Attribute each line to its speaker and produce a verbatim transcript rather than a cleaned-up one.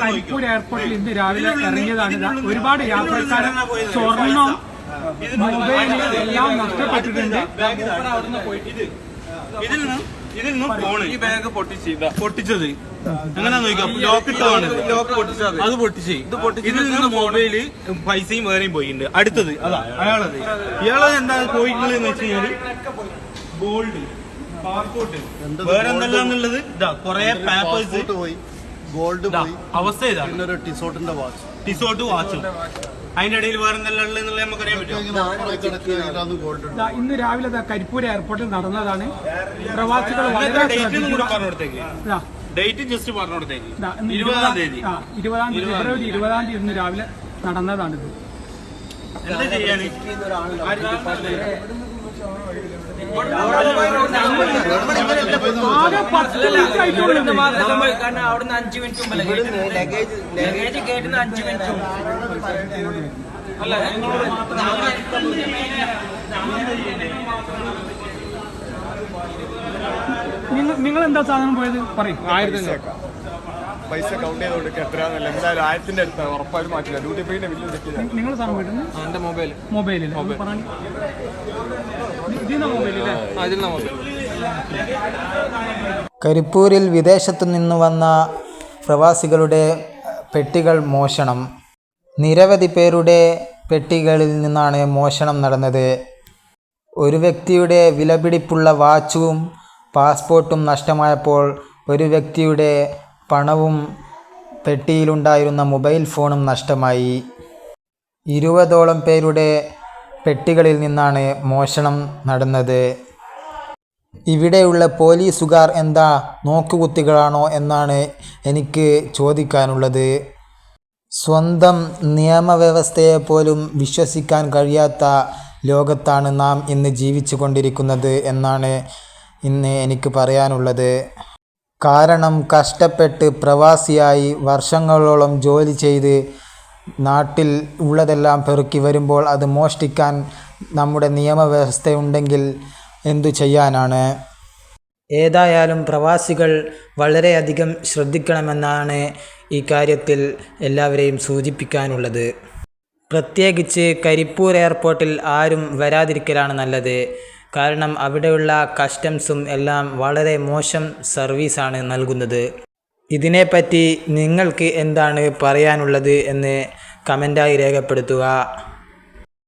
Speaker 1: കരിപ്പൂർ എയർപോർട്ടിൽ ഇന്ന് രാവിലെ ഇറങ്ങിയതാണ്. ഒരുപാട് യാത്രക്കാരെ സ്വർണം, മൊബൈൽ എല്ലാം നഷ്ടപ്പെട്ടിട്ടുണ്ട്.
Speaker 2: ഇതിൽ നിന്നും ഇതിൽ നിന്നും ഫോണ് ഈ ബാഗ് പൊട്ടിച്ച് പൊട്ടിച്ചത് എങ്ങനെയാ നോക്കാം. ലോക്ക് ഇട്ടതാണ്, ലോക്ക് പൊട്ടിച്ചത് അത് പൊട്ടിച്ച് ഇത് പൊട്ടിച്ച് ഇതിൽ നിന്ന് മൊബൈല് പൈസയും വേറെയും പോയിട്ടുണ്ട്. അടുത്തത് അതാ അയാളത് ഇയാളത് എന്താ പോയിട്ടുള്ളത് എന്ന് വെച്ച് കഴിഞ്ഞാല് ഗോൾഡ്, പാസ്പോർട്ട്, വേറെ എന്തെല്ലാന്നുള്ളത് ഇതാ കൊറേ പേപ്പേഴ്സ് പോയി, ഗോൾഡ് പോയി. അവസ്ഥ ഇതാണ്. പിന്നെ ഒരു ടിസോട്ടിന്റെ വാച്ച്, ടിസോട്ട് വാച്ചും അതിന്റെ ഇടയിൽ വേറെ എന്തെല്ലാം ഉള്ളത് നമുക്കറിയാൻ പറ്റും.
Speaker 1: ഇന്ന് രാവിലെ കരിപ്പൂർ എയർപോർട്ടിൽ നടന്നതാണ്. പ്രവാസികൾ
Speaker 2: ഡേറ്റ് ജസ്റ്റ് പറഞ്ഞോടത്തേക്ക് ഇരുപതാം തീയതി
Speaker 1: ഇരുപതാം തീയതി ഫെബ്രുവരി ഇരുപതാം തീയതി ഇന്ന് രാവിലെ നടന്നതാണിത്.
Speaker 2: എന്താ ചെയ്യാന്
Speaker 3: കാരണം അവിടുന്ന് അഞ്ചു മിനിറ്റ് മുമ്പ് ലഗേജ് കേട്ടുന്ന അഞ്ചു മിനിറ്റ് അല്ല
Speaker 1: നിങ്ങൾ എന്താ സാധനം പോയത് പറയും.
Speaker 4: ആയിരത്തി പൈസ കൗണ്ട് ചെയ്ത് കൊടുക്കുക എത്രയാണെന്നല്ല, എന്തായാലും ആയിരത്തിന്റെ അടുത്ത് ഉറപ്പായും മാറ്റില്ല. ഡ്യൂട്ടി പേയുടെ ബില്ല് ചെക്ക്.
Speaker 1: നിങ്ങൾ സാധനം പോയിട്ടുണ്ട്.
Speaker 4: എന്റെ മൊബൈൽ
Speaker 1: മൊബൈലിൽ
Speaker 5: കരിപ്പൂരിൽ വിദേശത്തു നിന്ന് വന്ന പ്രവാസികളുടെ പെട്ടികൾ മോഷണം. നിരവധി പേരുടെ പെട്ടികളിൽ നിന്നാണ് മോഷണം നടന്നത്. ഒരു വ്യക്തിയുടെ വിലപിടിപ്പുള്ള വാച്ചും പാസ്പോർട്ടും നഷ്ടമായപ്പോൾ ഒരു വ്യക്തിയുടെ പണവും പെട്ടിയിലുണ്ടായിരുന്ന മൊബൈൽ ഫോണും നഷ്ടമായി. ഇരുപതോളം പേരുടെ പെട്ടികളിൽ നിന്നാണ് മോഷണം നടന്നത്. ഇവിടെയുള്ള പോലീസുകാർ എന്താ നോക്കുകുത്തികളാണോ എന്നാണ് എനിക്ക് ചോദിക്കാനുള്ളത്. സ്വന്തം നിയമവ്യവസ്ഥയെപ്പോലും വിശ്വസിക്കാൻ കഴിയാത്ത ലോകത്താണ് നാം ഇന്ന് ജീവിച്ചു കൊണ്ടിരിക്കുന്നത് എന്നാണ് ഇന്ന് എനിക്ക് പറയാനുള്ളത്. കാരണം കഷ്ടപ്പെട്ട് പ്രവാസിയായി വർഷങ്ങളോളം ജോലി ചെയ്ത് നാട്ടിൽ ഉള്ളതെല്ലാം പെറുക്കി വരുമ്പോൾ അത് മോഷ്ടിക്കാൻ നമ്മുടെ നിയമവ്യവസ്ഥയുണ്ടെങ്കിൽ എന്തു ചെയ്യാനാണ്. ഏതായാലും പ്രവാസികൾ വളരെയധികം ശ്രദ്ധിക്കണമെന്നാണ് ഈ കാര്യത്തിൽ എല്ലാവരെയും സൂചിപ്പിക്കാനുള്ളത്. പ്രത്യേകിച്ച് കരിപ്പൂർ എയർപോർട്ടിൽ ആരും വരാതിരിക്കലാണ് നല്ലത്. കാരണം അവിടെയുള്ള കസ്റ്റംസും എല്ലാം വളരെ മോശം സർവീസാണ് നൽകുന്നത്. ഇതിനെപ്പറ്റി നിങ്ങൾക്ക് എന്താണ് പറയാനുള്ളത് എന്ന് കമൻ്റായി രേഖപ്പെടുത്തുക.